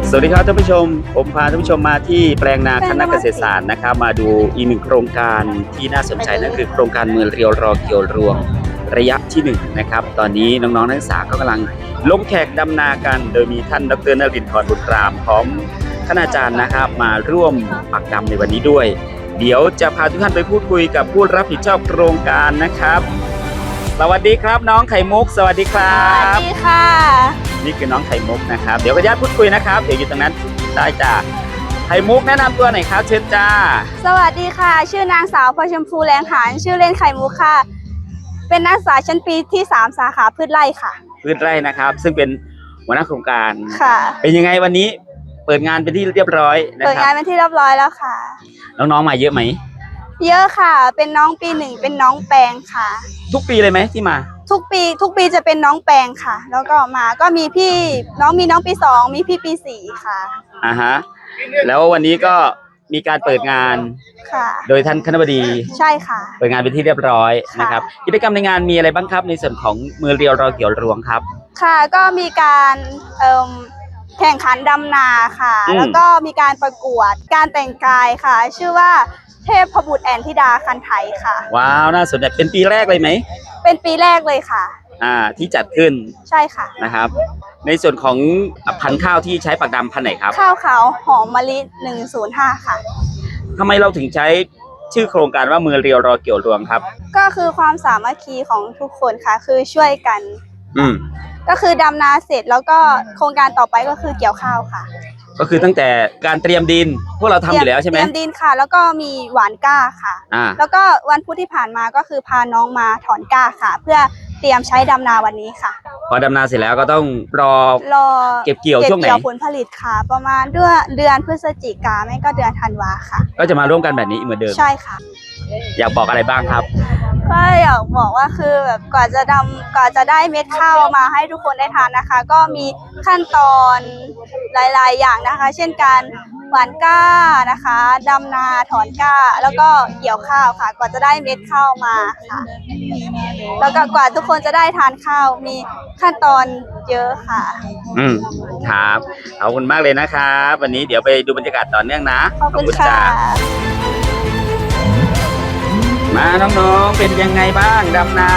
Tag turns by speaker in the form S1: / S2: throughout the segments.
S1: สวัสดีครับท่านผู้ชมผมพาท่านผู้ชมมาที่แปลงนาคณะเกษตรศาสตร์นะครับมาดูอีกหนึ่งโครงการที่น่าสนใจนั่นคือโครงการเมืองเรียวรอเกี่ยวรวงระยะที่1นะครับตอนนี้น้องๆนักศึกษาก็กำลังลงแขกดำนากันโดยมีท่านดร.นฤนทร์บุตรามพร้อมคณาจารย์นะครับมาร่วมปักดำในวันนี้ด้วยเดี๋ยวจะพาทุกท่านไปพูดคุยกับผู้รับผิดชอบโครงการนะครับสวัสดีครับน้องไข่มุกสวัสดีครับ
S2: สวัสดีค่ะ
S1: นี่คือน้องไข่มุกนะครับเดี๋ยวก็ญาติพูดคุยนะครับเดี๋ยวอยู่ตรงนั้นได้จ้าไข่มุกแนะนำตัวหน่อยครับเชิญจ้า
S2: สวัสดีค่ะชื่อนางสาวพลอยชมพูแรงหานชื่อเล่นไข่มุกค่ะเป็นนักศึกษาชั้นปีที่3สาขาพืชไร่ค่ะ
S1: พืชไร่นะครับซึ่งเป็นหัวหน้าโครงการ
S2: ค่ะ
S1: เป็นยังไงวันนี้เปิดงานเป็นที่เรียบร้อยนะครับ
S2: เปิดงานเป็นที่เรียบร้อยแล้วค่ะ
S1: น้องๆมาเยอะไหม
S2: เยอะค่ะเป็นน้องปี1เป็นน้องแปลงค่ะ
S1: ทุกปีเลยไหมที่มา
S2: ทุกปีจะเป็นน้องแปลงค่ะแล้วก็มาก็มีพี่น้องปี2มีพี่ปี4ค่ะ
S1: ฮะแล้ววันนี้ก็มีการเปิดงาน
S2: ค่ะ
S1: โดยท่านคณบดี
S2: ใช่ค่ะ
S1: เปิดงานเป็นที่เรียบร้อยนะครับกิจกรรมในงานมีอะไรบ้างครับในส่วนของมือเรียวรอเกี่ยวรวงครับ
S2: ค่ะก็มีการแข่งขันดำนาค่ะแล้วก็มีการประกวดการแต่งกายค่ะชื่อว่าเทพบุตรแอนธิดาคันไถค่ะ
S1: ว้าวน่าสนใจเป็นปีแรกเลยไหม
S2: เป็นปีแรกเลยค่ะ
S1: ที่จัดขึ้น
S2: ใช่ค่ะ
S1: นะครับในส่วนของพันธุ์ข้าวที่ใช้ปักดำพันธุ์ไหนครับ
S2: ข้าวขาวหอมมะลิ105ค่ะ
S1: ทำไมเราถึงใช้ชื่อโครงการว่ามือเรียวรอเกี่ยวรวงครับ
S2: ก็คือความสามัคคีของทุกคนค่ะคือช่วยกันก็คือดำนาเสร็จแล้วก็โครงการต่อไปก็คือเกี่ยวข้าวค่ะ
S1: ก็คือตั้งแต่การเตรียมดินพวกเราทำอยู่แล้วใช่ไหม
S2: เตรียมดินค่ะแล้วก็มีหว่านก้าค่ะแล้วก็วันพุธที่ผ่านมาก็คือพาน้องมาถอนก้าค่ะเพื่อเตรียมใช้ดำนาวันนี้ค่ะ
S1: พอดำนาเสร็จแล้วก็ต้องรอเก็บเกี่ยวช่วงไหน
S2: ผลผลิตค่ะประมาณเดือนพฤศจิกาไม่ก็เดือนธันวาค่ะ
S1: ก็จะมาร่วมกันแบบนี้เหมือนเดิม
S2: ใช่ค่ะ
S1: อยากบอกอะไรบ้างครับ
S2: ก็อยากบอกว่าคือแบบกว่าจะได้เม็ดข้าวมาให้ทุกคนได้ทานนะคะก็มีขั้นตอนหลายๆอย่างนะคะเช่นการหว่านก้านะคะดำนาถอนก้าแล้วก็เกี่ยวข้าวค่ะกว่าจะได้เม็ดข้าวมาค่ะแล้วก็กว่าทุกคนจะได้ทานข้าวมีขั้นตอนเยอะค่ะ
S1: ครับขอบคุณมากเลยนะครับวันนี้เดี๋ยวไปดูบรรยากาศต่อเนื่องนะ
S2: ขอบคุณค่ะ
S1: มาน้องๆเป็นยังไงบ้างดำนา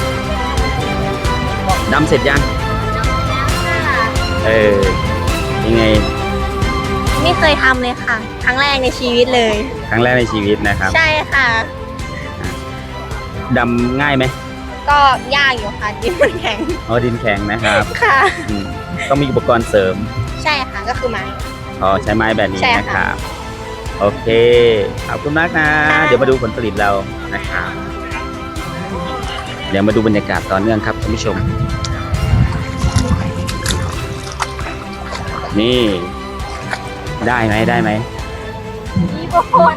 S1: ดำเสร็จยังยังไง
S2: ไม่เคยทำเลยค่ะครั้งแรกในชีวิตเลย
S1: ครั้งแรกในชีวิตนะครับ
S2: ใช่ค่ะ
S1: ดำง่ายไหม
S2: ก็ยากอยู่ค่ะดินมันแข็ง
S1: ดินแข็งนะครับ
S2: ค่ะ
S1: ต้องมีอุปกรณ์เสริม
S2: ใช่ค่ะก็คือไม้
S1: ใช้ไม้แบบนี้นะครับโอเคขอบคุณมากนะเดี๋ยวมาดูผลผลิตเรานะครับเดี๋ยวมาดูบรรยากาศต่อเนื่องครับท่านผู้ชมนี่ได้ไหม
S2: มีบางคน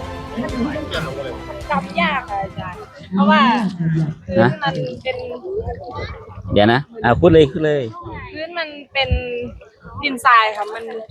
S2: จำยากค่ะอาจารย์เพราะว่าพื้นมันเป็น
S1: เดี๋ยวนะพูดเลย
S2: พื้นมันเป็นดินทรายค่ะ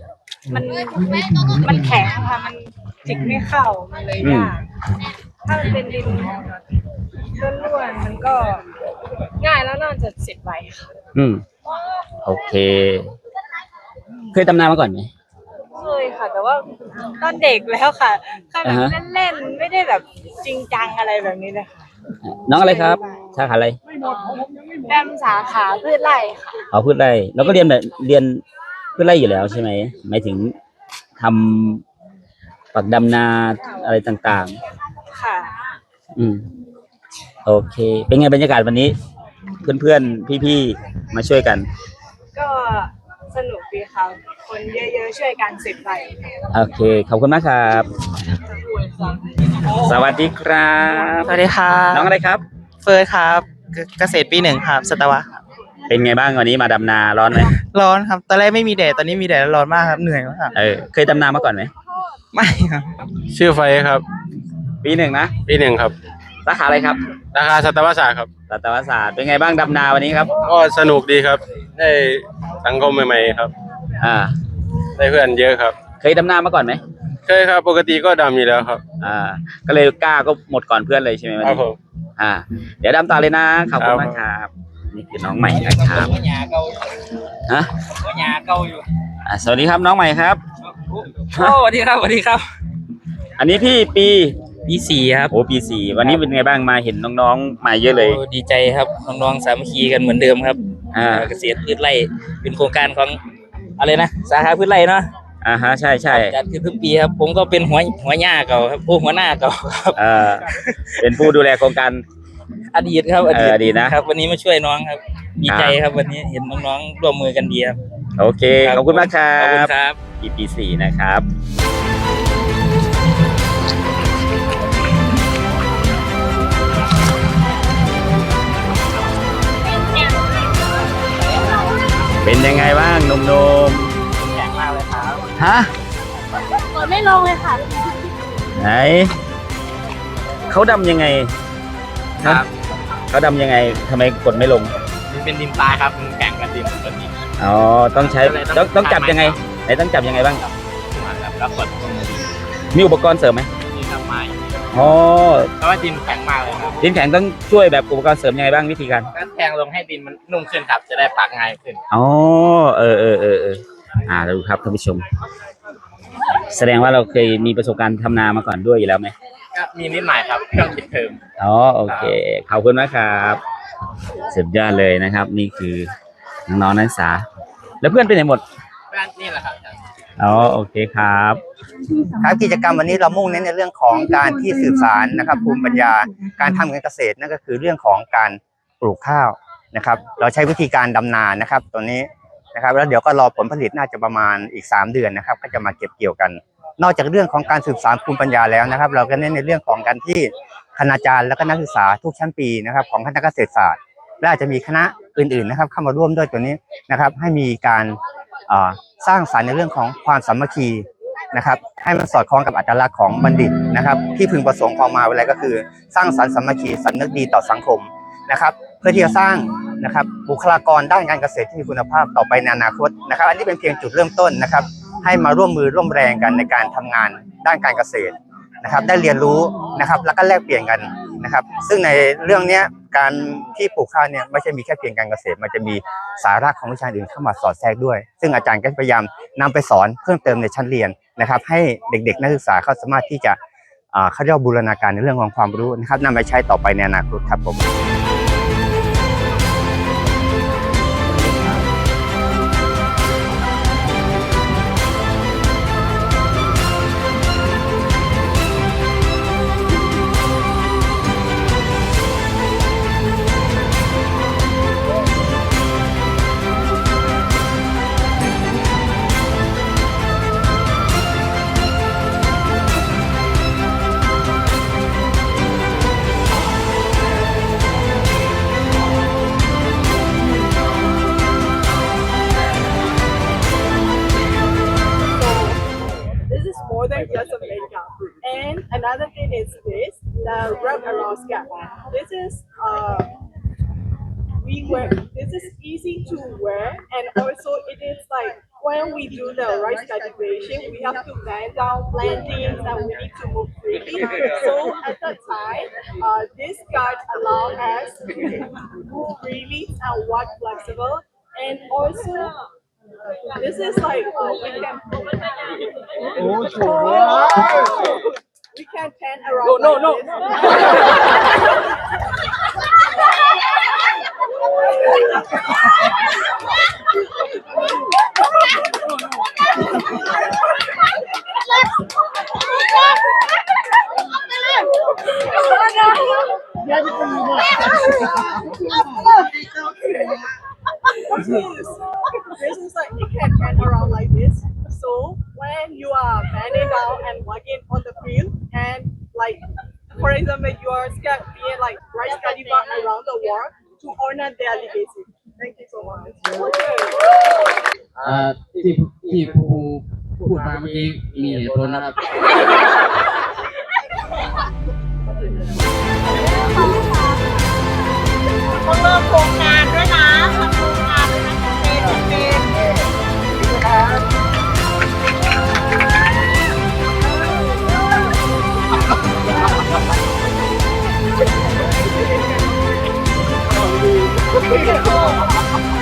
S2: มันแข็งค่ะมันจิกไม่เข้ามันเลยยากถ้ามันเป็นดินล้วนๆมันก็ง่ายแล้วน่าจะเสร็จไวค่ะ
S1: โอเคเคยดำนามาก่อนไหม
S2: เคยค่ะแต่ว่าตอนเด็กแล้วค่ะแค่แบบเล่นๆไม่ได้แบบจริงจังอะไรแบบนี้เลยค่ะ
S1: น้องอะไรครับสาขาอะไร
S2: แอมสาขาพืชไร่ค่ะ
S1: พืชไร่แล้วก็เรียนพืชไร่อยู่แล้วใช่ไหมหมายถึงทำปักดำนาอะไรต่าง
S2: ๆค่ะ
S1: โอเคเป็นไงบรรยากาศวันนี้เพื่อนๆพี่ๆมาช่วยกัน
S2: ก็สนุกดีค่ะคนเยอะๆช่วยกันสิบใบ
S1: โอเคขอบคุณมากครับสวัสดีครับ
S3: สวัสดีครับ
S1: น้องอะไรครับ
S3: เฟิร์สครับเกษตรปี1ครับสัตวะ
S1: เป็นไงบ้างวันนี้มาดำนาร้อนไหม
S3: ร้อนครับตอนแรกไม่มีแดดตอนนี้มีแดดร้อนมากครับเหนื่อยมาก
S1: เคยดำนามาก่อนไหม
S3: ไม่ครับ
S4: ชื่อไฟครับ
S1: ปี1นะ
S4: ปี1ครับ
S1: สาขาอะไรครับ
S4: สาขาสัตวศาสตร์ครับ
S1: สัตวศาสตร์เป็นไงบ้างดำนาวันนี้ครับ
S4: ก็สนุกดีครับได้สังคมใหม่ๆครับได้เพื่อนเยอะครับ
S1: เคยดำนามาก่อนไหม
S4: เคยครับปกติก็ดำอยู่แล้วครับ
S1: ก็เลยกล้าก็หมดก่อนเพื่อนเลยใช่ไหมวันนี้
S4: ครับผม
S1: เดี๋ยวดำต่อเลยนะขอบคุณมากครับนี่คือน้องใหม่นะครับฮะสวัสดีครับน้องใหม่ครับ
S3: สวัสดีครับสวัสดีครับ
S1: อันนี้พี่ปี
S3: ปีสี่ครับ
S1: โอ้ปี 4วันนี้เป็นไงบ้างมาเห็นน้องๆมาเยอะเลย
S3: โอ้ดีใจครับน้องๆสามัคคีกันเหมือนเดิมครับเกษตรพืชไร่เป็นโครงการของอะไรนะสาขาพืชไร่เนาะ
S1: ฮะใช่ใช่
S3: จัดขึ้นทุกปีครับผมก็เป็นหัวหน้าเก่าครับหัวหน้าเก่าครับ
S1: เป็นผู้ดูแลโครงการ
S3: อดีตครับอดีต
S1: นะครับ
S3: วันนี้มาช่วยน้องครับดีใจครับวันนี้เห็นน้องๆร่วมมือกันดีครับ
S1: โอเคขอบคุณมากครั
S3: ขอบคุณ
S1: บ
S3: ครับ
S1: ปี 4นะครับ เป็นยังไงบ้างหนุ่ม
S3: แข็งมากเลยครับ
S1: ๆฮะ
S2: กดไม่ลงเลยค่ะ
S1: ไหนเขาดำยังไง
S3: ครับ
S1: เขาดำยังไงทำไมกดไม่ลง
S3: มันเป็นดินทรายครับมันแข็งกว่าดินปกติ
S1: อ๋อต้องใช้ต้องจับยังไงไหนต้องจับยังไงบ้าง
S3: ครับแล้วกดลงมาดิ
S1: มีอุปกรณ์เสริมไหม
S3: นี่ทำไม้
S1: อ๋อ
S3: เพราะว่าดินแข็งมากเลยครับ
S1: ดินแข็งต้องช่วยแบบอุปกรณ์เสริมยังไงบ้างวิธีการ
S3: ก็แทงลงให้ดินมันนุ่มขึ้นครับ จะได้ปักง่ายขึ้น
S1: อ๋อเราดูครับท่านผู้ชม แสดงว่าเราเคยมีประสบการณ์ทำนามาก่อนด้วยอยู่แล้วไหม
S3: ก็มีนิดหน่อยครับช่วงปิดเทอม
S1: อ๋อโอเคขอบคุณมากครับสุดยอดเลยนะครับ นี่คือน้องๆนักศึกษา แล้วเพื่อนไปไหนหมด
S3: นี่แหละครับ
S1: อ๋อโอเคครับ
S5: ครับกิจกรรมวันนี้เรามุ่งเน้นในเรื่องของการที่สืบสารนะครับภูมิปัญญาการทำการเกษตรนั่นก็คือเรื่องของการปลูกข้าวนะครับเราใช้วิธีการดำนานะครับตัวนี้นะครับแล้วเดี๋ยวก็รอผลผลิตน่าจะประมาณอีก3 เดือนนะครับก็จะมาเก็บเกี่ยวกัน นอกจากเรื่องของการสืบสารภูมิปัญญาแล้วนะครับ เราก็เน้นในเรื่องของการที่คณาจารย์และก็นักศึกษาทุกชั้นปีนะครับของคณะเกษตรศาสตร์และอาจจะมีคณะอื่นๆนะครับเข้ามาร่วมด้วยตัวนี้นะครับให้มีการสร้างสรรค์ในเรื่องของความสามัคคีนะครับให้มันสอดคล้องกับอัตลักษณ์ของบัณฑิตนะครับที่พึงประสงค์ของมหาวิทยาลัยก็คือสร้างสรรค์สามัคคีสำนึกดีต่อสังคมนะครับเพื่อที่จะสร้างนะครับบุคลากรด้านการเกษตรที่มีคุณภาพต่อไปในอนาคตนะครับอันนี้เป็นเพียงจุดเริ่มต้นนะครับให้มาร่วมมือร่วมแรงกันในการทำงานด้านการเกษตรนะครับได้เรียนรู้นะครับแล้วก็แลกเปลี่ยนกันนะครับซึ่งในเรื่องนี้การที่ปลูกข้าวเนี่ยไม่ใช่มีแค่เพียงการเกษตรมันจะมีสาระของวิชาอื่นเข้ามาสอดแทรกด้วยซึ่งอาจารย์ก็พยายามนำไปสอนเพิ่มเติมในชั้นเรียนนะครับให้เด็กๆนักศึกษาเขาสามารถที่จะเขาเรียกว่าบูรณาการในเรื่องของความรู้นะครับนำไปใช้ต่อไปในอนาคตครับผม
S6: This is more than just a makeup. And another thing is this, the wrap around scalp. This is we wear. This is easy to wear, and also it is like when we do the rice cultivation, we have to bend down plantings and we need to move freely. So at that time, this guard allows us to move freely and walk flexible, and also. This is like we can pan around. No. This is like you can pan around like this. So when you are bending down and walking on the field, and like for example, you are scared being like rice cultivar around the world to honor their legacy. Thank you so much.
S7: ที่ครูพูดมาเมื่อกี้มีเหตุผลนะครับ
S2: ต้องเริ่มโครงการด้วยนะทำโครงการด้วยนะเป็น